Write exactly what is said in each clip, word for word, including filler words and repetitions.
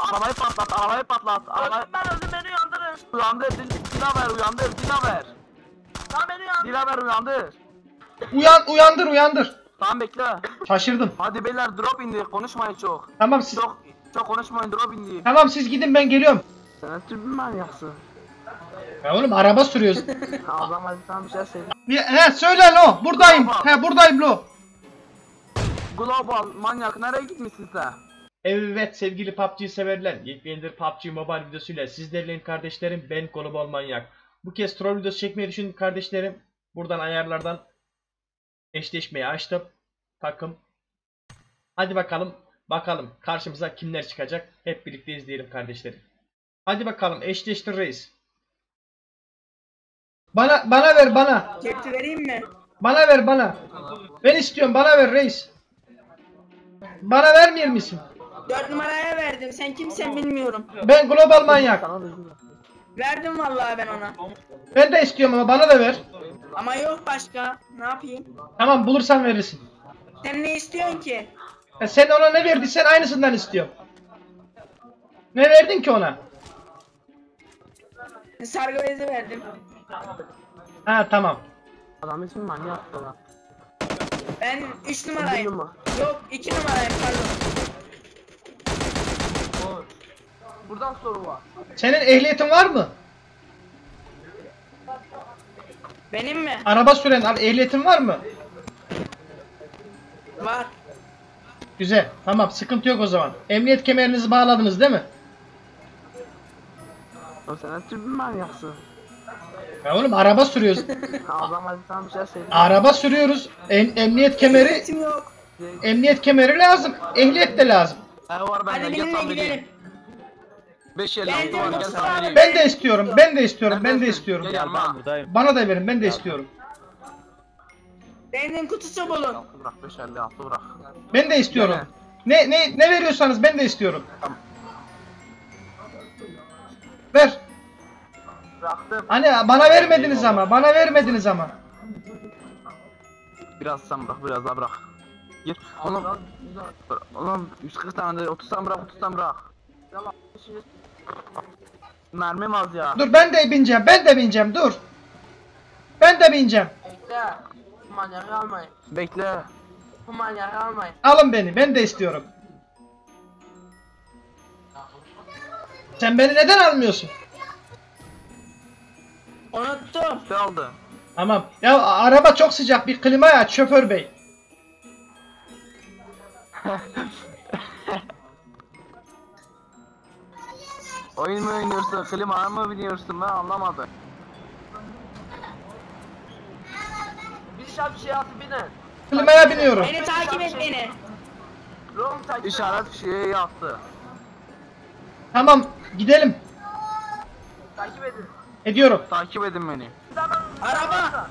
Arabayı patlat, arabayı patlat. Arabayı... Ben öldüm, beni uyandırın. Uyandır, Dil Dilaver uyandır, Dilaver. Tamam beni uyandır. Dilaver uyandır. Uyan uyandır uyandır. Tamam bekle. Şaşırdım. Hadi beyler drop indi, konuşmayın çok. Tamam siz Çok çok konuşmayın, drop indi. tamam siz gidin ben geliyorum. Sen tüm manyaksın. Ya oğlum araba sürüyoruz. Adam hadi sana bir şey söyle. Ya, he söyle lo buradayım. He buradayım lo. Global manyak nereye gitmişsin sen? Evet sevgili P U B G severler, yepyeni P U B G Mobile videosuyla sizlerleyim kardeşlerim, ben Global Manyak. Bu kez troll videosu çekmeyi düşündüm kardeşlerim. Buradan ayarlardan eşleşmeyi açtım. Takım. Hadi bakalım, bakalım karşımıza kimler çıkacak, hep birlikte izleyelim kardeşlerim. Hadi bakalım eşleştir reis. Bana bana ver bana. Kepçe vereyim mi? Bana ver bana. Ben istiyorum, bana ver reis. Bana vermiyor musun? Dört numaraya verdim. Sen kimsen bilmiyorum. Ben Global Manyak. Verdim vallahi ben ona. Ben de istiyorum ama bana da ver. Ama yok başka. Ne yapayım? Tamam bulursan verirsin. Sen ne istiyorsun ki? Ya sen ona ne verdiysen aynısından istiyorum. Ne verdin ki ona? Sargı bezi verdim. Ha tamam. Adam için manyak lan. Ben üç numarayım. Bir numara. Yok iki numarayım pardon. Buradan soru var. Senin ehliyetin var mı? Benim mi? Araba süren abi ehliyetin var mı? Var. Güzel. Tamam sıkıntı yok o zaman. Emniyet kemerinizi bağladınız değil mi? O sen tüm manyaksın. Ya oğlum araba sürüyoruz. Adam hadi sana bir şey söyle. Araba sürüyoruz. Em emniyet kemeri Ehliyetim yok. emniyet kemeri lazım. Ehliyet de lazım. Ev var Hadi bende, gel benimle sen gidelim. vereyim. beş elli altı Ben var, de gel Mustafa sen abi. vereyim. Ben de istiyorum. Ben de istiyorum. Ben de Neredesin? istiyorum. Gel yanıma. Bana da verin. Ben de istiyorum. Benzin kutusu bulun. Altı bırak, beş elli altı bırak. Ben de istiyorum. Ne ne ne veriyorsanız ben de istiyorum. Ver. Bıraktım. Hani bana vermediniz ama. Bana vermediniz ama. Biraz sen bırak, biraz daha bırak. Gir. Oğlum, oğlum yüz kırk tane de otuz tane bırak, otuz tane bırak. Mermim az ya. Dur ben de bineceğim. Ben de bineceğim. Dur. Ben de bineceğim. Bekle. Bu manyağı almayın. Bekle. Bu manyağı almayın. Alın beni. Ben de istiyorum. Sen beni neden almıyorsun? Unuttum. Ne oldu? Tamam. Ya araba çok sıcak. Bir klima aç şoför bey. Oyun mu oynuyorsun, klima mı biliyorsun, ben anlamadım. Bir şart şey atı binin. Klimaya biniyorum. Beni takip et beni. İşaret şeyi yaptı. Tamam. Gidelim. Takip edin. Ediyorum. Takip edin beni. Araba.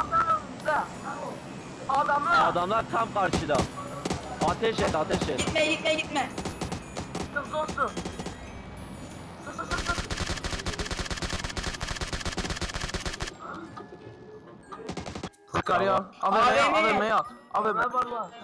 Adamı. Adamlar tam karşıda. Ateş et, ateş et. Gitme gitme gitme. Sus olsun. Sus sus sus sus. Sıkar ya. Abi A V M. abi ne yat? Abi ne var lan?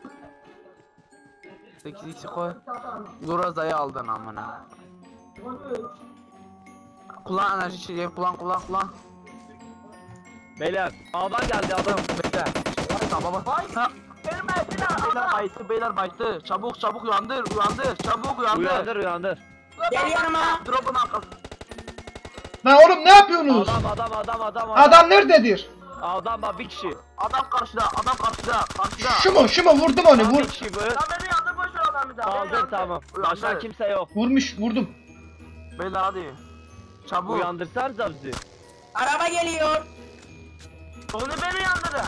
sekiz x koy. Grozza'yı aldın amına. Kullan enerji şeyi, kullan kullan kullan. Beyler, adam geldi adam. Bekle. Tamam baba. Ha. Beyler baytı, beyler baytı. Çabuk çabuk uyandır, uyandır. Çabuk uyandır. Uyandır, uyandır. Gel yanıma. Drop'un arkası. Lan oğlum ne yapıyorsunuz? Adam, adam, adam, adam. Adam nerededir? Adam bak bir kişi. Adam karşıda, adam karşıda, karşıda. Şu mu? Şu mu? Vurdum onu. Tam Vur. bir kişi bu. Lan beni yandır boş ver adamı bir daha. beni Kaldır yandır. tamam. Başka Uyandır. kimse yok. Vurmuş. Vurdum. Beyler hadi. Çabuk. Uyandırsanıza bizi. Araba geliyor. Onu beni yandırın.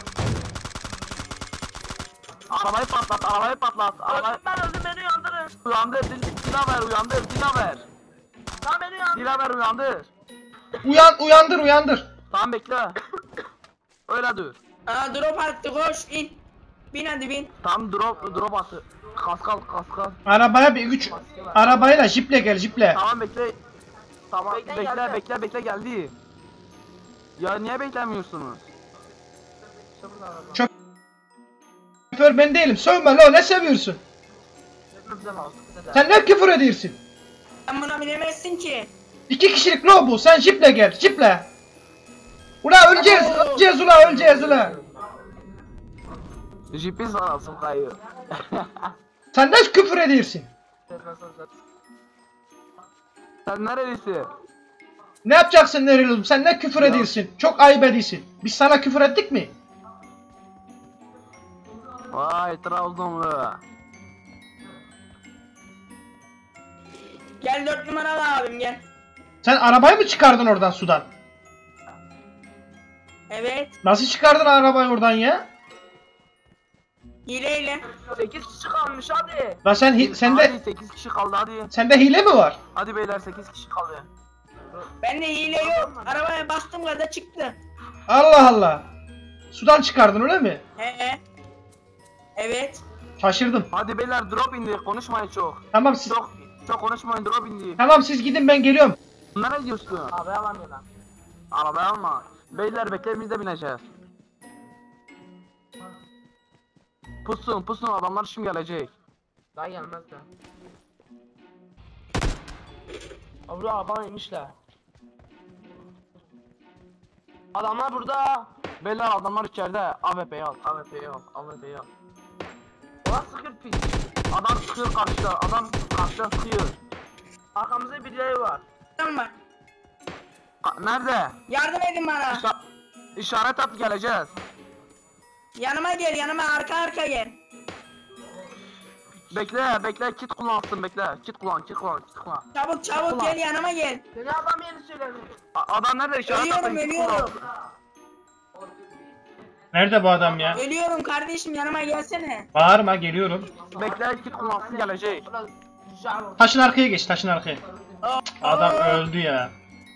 Arabayı patlat, arabayı patlat. Arabayı... Ben öldüm, beni yandırın. Uyandır, dil, Dilaver uyandır, Dilaver. Tamam beni yandır. Dilaver uyandır. Uyan uyandır uyandır. Tamam bekle. Öyle dur. Aa drop attı koş in. Bin hadi bin. Tam drop, drop atı. Kaskal, kaskal. Arabaya bir güç. Arabayla jiple gel jiple. Tamam bekle. Tamam Bekle, bekle, geldi. bekle, bekle geldi. Ya niye beklemiyorsunuz? Şoför ben değilim. Sövme lo ne seviyorsun? Sen ne küfür ediyorsun? Sen buna binemezsin ki. İki kişilik lo bu. Sen jiple gel. Jiple. Ula öleceğiz. Öleceğiz ula öleceğiz ula. Jipi sarasın kayıyor. Sen nasıl küfür ediyorsun? Sen nerelisin? Ne yapacaksın Neril'im? Sen ne küfür ediyorsun? Çok ayıp ediyorsun. Biz sana küfür ettik mi? Vay Trabzonlu. Gel dört numaralı abim gel. Sen arabayı mı çıkardın oradan sudan? Evet. Nasıl çıkardın arabayı oradan ya? Hileyle. sekiz kişi kalmış hadi. Lan sen hi- sende Hadi sekiz kişi kaldı hadi. sende hile mi var? Hadi beyler sekiz kişi kaldı. Bende hile yok. Arabaya bastım kadar çıktı. Allah Allah. Sudan çıkardın öyle mi? He. Evet. Şaşırdım. Hadi beyler drop indi konuşmayın çok. Tamam siz Çok çok konuşmayın drop indi. tamam siz gidin ben geliyorum. Nereye gidiyorsun? Arabaya alamıyor lan. Arabaya alma. Beyler bekle biz de bineceğiz. Pusun pusun adamlar şimdi gelecek. Daha gelmez de. Abi araba inmişler. Adamlar burada. Beyler adamlar içeride. A W P'yi al. A W P'yi al. A W P'yi al. Ulan sıkır pis. Adam sıkıyor karşıda. Adam karşıda sıkıyor. Arkamızda birileri var. Tamam. Ka- Nerede? Yardım edin bana. İşa- İşaret at geleceğiz. Yanıma gel yanıma arka arka gel. Bekle bekle kit kullansın bekle. Kit kullan kit kullan kit kullan. Çabuk çabuk Ulan. gel yanıma gel. Seni adam yeni söyledi. Adam nerede işaret atın Ölüyorum kit kullan. ölüyorum. Nerede bu adam ya? Ölüyorum kardeşim yanıma gelsene. Bağırma geliyorum. Bekle kit kullansın gelecek. Taşın arkaya geç taşın arkaya. Oh, Adam oh. öldü ya.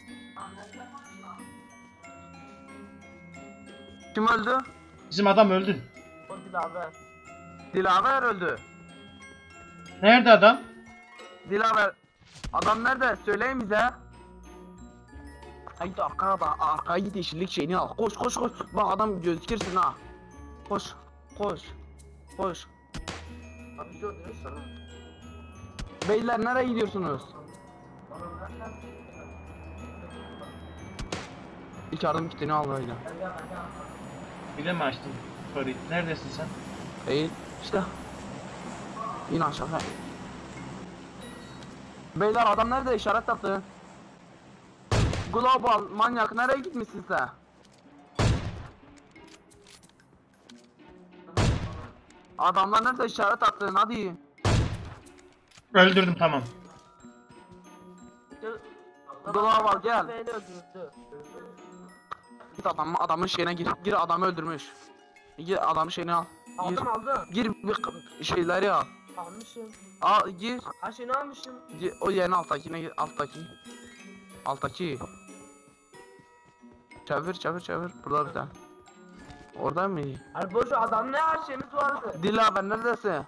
Kim öldü? Bizim adam öldü. O Dilaver. Dilaver öldü. Nerede adam? Dilaver. Adam nerede? Söyleyin bize. Haydi arkaya bak. Arkaya git yeşillik şeyini al. Koş koş koş. Bak adam gözükürsün ha. Koş. Koş. Koş. Abi gördünüz sana. Beyler nereye gidiyorsunuz? İlk yardım kitini al böyle. Bir de mi açtın? Sorry. Neredesin sen? Eğil. İşte. İn aşağı. Beyler adam nerede? İşaret attı. Global manyak nereye gitmişsin sen? Adamlar nerede işaret attın hadi. Öldürdüm tamam. Global gel. Git adam, adamın şeyine gir. Gir adamı öldürmüş. Gir adamın şeyini al. Gir. Aldım aldım. Gir bir şeyleri al. Almışım. Al gir. Her şeyini almışım. Gir. O yerin alttakine gir. Alttaki. Alttaki. Çevir çevir çevir. Burada bir tane. Orada mı? Hani boş ver, adam ne her şeyimiz vardı. Dilaver neredesin?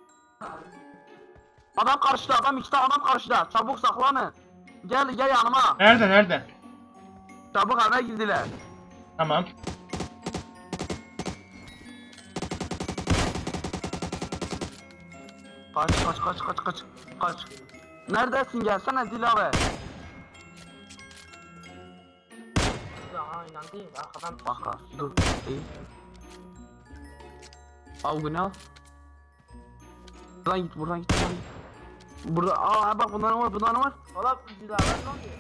Adam karşıda, adam iki tane adam karşıda. Çabuk saklanın. Gel gel yanıma. Nerede nerede? Çabuk eve girdiler. Tamam. Kaç kaç kaç kaç kaç kaç. Neredesin gelsene Dilaver. Aynen değil. Arkadan Bak ha, dur. İyi. Al bunu al. Buradan git buradan git buradan git. Burada aa bak bunların var bunların var. Valla dilaver ne oluyor?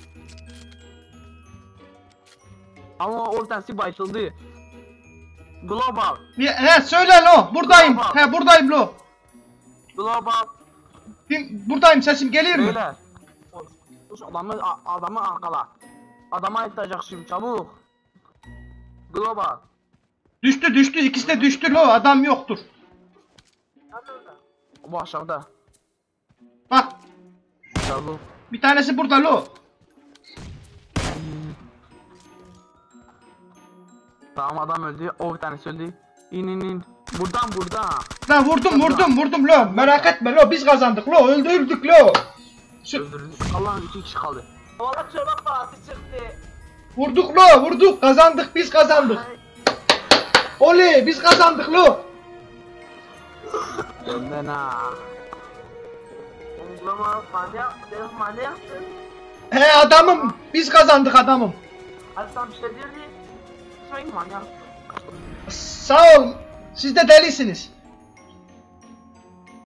Ama o tanesi başladı. Global. Bir, he söyle lo. Buradayım. Tamam. He buradayım lo. Global. Bir, buradayım sesim geliyor mu? Beyler. Koş, koş adamı a- adamı arkala. Adama yetecek şimdi çabuk. Global. Düştü düştü ikisi de düştü lo. Adam yoktur. Bu aşağıda. Bak Çabuk. bir tanesi burada lo. Tamam adam öldü. O bir tanesi öldü. İn in in. Buradan buradan. Lan vurdum vurdum vurdum lo. Merak etme lo biz kazandık lo. Öldürdük lo. Şu- Öldürdük. Allah'ın iki kişi kaldı. Valla çorba parası çıktı. Vurduk lo vurduk kazandık biz kazandık. Oley biz kazandık lo. Önden ha. Ama manyak, dedim manyaksın. He adamım. Biz kazandık adamım. Hadi sen bir şey diyor diye. Sen manyak. Sağ ol. Siz de delisiniz.